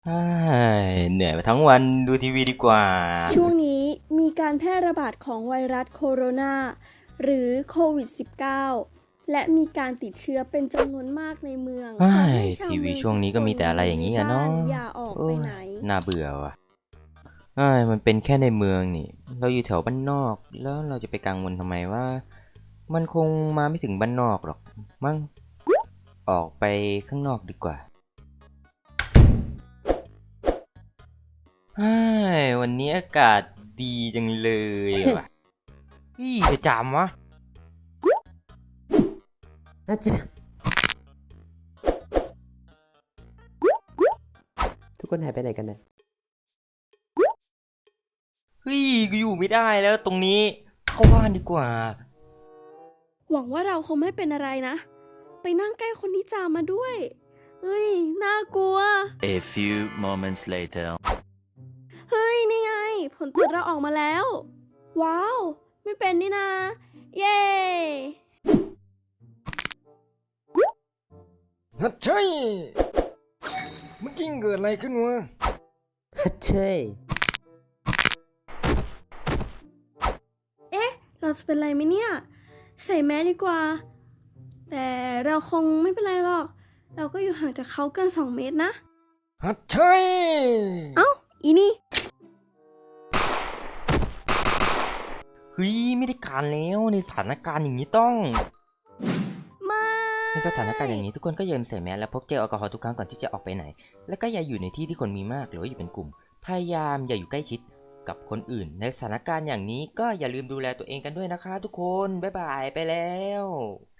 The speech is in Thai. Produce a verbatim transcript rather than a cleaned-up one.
เฮ้ยเหนื่อยมาทั้งวันดูทีวีดีกว่าช่วงนี้มีการแพร่ระบาดของไวรัสโคโรนาหรือโควิด สิบเก้า และมีการติดเชื้อเป็นจำนวนมากในเมืองเฮ้ขอย ให้ชาวทีวีเมืองช่วงนี้ก็มีแต่อะไรอย่างนี้นี้อะบ้าเนาะนอย่าออกโอ้ไปยไหนน่าเบื่อว่ะเฮ้ยมันเป็นแค่ในเมืองนี่ เราอยู่แถวบ้านนอก แล้วเราจะไปกังวลทำไมว่า มันคงมาไม่ถึงบ้านนอกหรอก มั้ง ออกไปข้างนอกดีกว่าเฮ้ยวันนี้อากาศดีจังเลยว่ะ พี่จะจำวะอาจารย์ทุกคนหายไปไหนกันนะเฮ้ยกูอยู่ไม่ได้แล้วตรงนี้ เข้าบ้านดีกว่าหวังว่าเราคงไม่เป็นอะไรนะ ไปนั่งใกล้คนที่จามมาด้วย เฮ้ย น่ากลัว A few moments later. เฮ้ย นี่ไง ผลตรวจเราออกมาแล้ว ว้าว ไม่เป็นนี่นา เย้ฮัทใช่เมื่อกี้เกิดอะไรขึ้นวะฮัทเช่ยเราจะเป็นไรไหมเนี่ย ใส่แมสดีกว่า แต่เราคงไม่เป็นไรหรอก เราก็อยู่ห่างจากเขาเกินสองเมตรนะฮัทใช่เอ้า อีนี่เฮ้ยไม่ได้การแล้วในสถานการณ์อย่างนี้ต้องไม่ในสถานการณ์อย่างนี้ทุกคนก็อย่าลืมใส่แมสและพกเจลแอลกอฮอล์ทุกครั้งก่อนที่จะออกไปไหน และก็อย่าอยู่ในที่ที่คนมีมากหรือว่าอยู่เป็นกลุ่ม พยายามอย่าอยู่ใกล้ชิดกับคนอื่น ในสถานการณ์อย่างนี้ก็อย่าลืมดูแลตัวเองกันด้วยนะคะทุกคนบ๊ายบายไปแล้ว